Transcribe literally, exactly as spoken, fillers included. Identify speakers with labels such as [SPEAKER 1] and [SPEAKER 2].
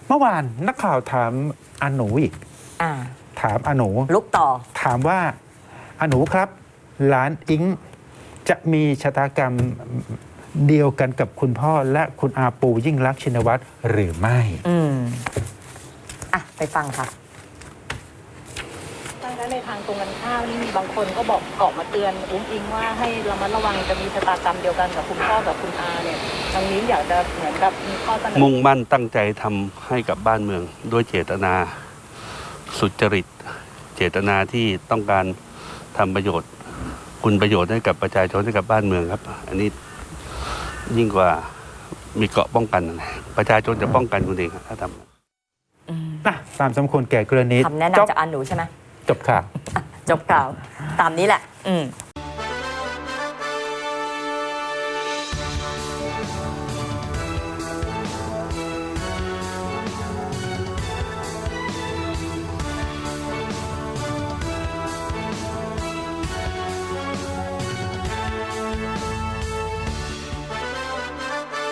[SPEAKER 1] เมื่อวานนักข่าวถามอาหนูอีก
[SPEAKER 2] อ่า
[SPEAKER 1] ถามอาหนู
[SPEAKER 2] ลุกต่อ
[SPEAKER 1] ถามว่าอาหนูครับหลานอิงจะมีชะตากรรมเดียวกันกับคุณพ่อและคุณอาปูยิ่งลักษณ์ชินวัตรหรือไม่
[SPEAKER 2] อืมอ่ะไปฟังค่ะ
[SPEAKER 3] แล้วในทางตรงกันข้ามนี่มีบางคนก็บอกออกมาเตือนอุ้งอิงว่าให้ระมัดระวังจะมีชะตากรรมเดียวกันกับคุณพ่อกับคุณอาเนี่ยทางนี้อยากจะเหมือนกับมีข้อเสนอ
[SPEAKER 4] มุ่งมั่นตั้งใจทำให้กับบ้านเมืองด้วยเจตนาสุจริตเจตนาที่ต้องการทำประโยชน์คุณประโยชน์ให้กับประชาชนให้กับบ้านเมืองครับ อันนี้ยิ่งกว่ามีเกราะป้องกันประชาชนจะป้องกันคุณเองถ้าทำ
[SPEAKER 2] อืม
[SPEAKER 1] นะตามสมควรแก่กรณี
[SPEAKER 2] คำแนะ
[SPEAKER 1] จบ
[SPEAKER 2] นำจากอาหนูใช่ไหม
[SPEAKER 1] จบข่าว
[SPEAKER 2] จบข่าว ตามนี้แหละ อืม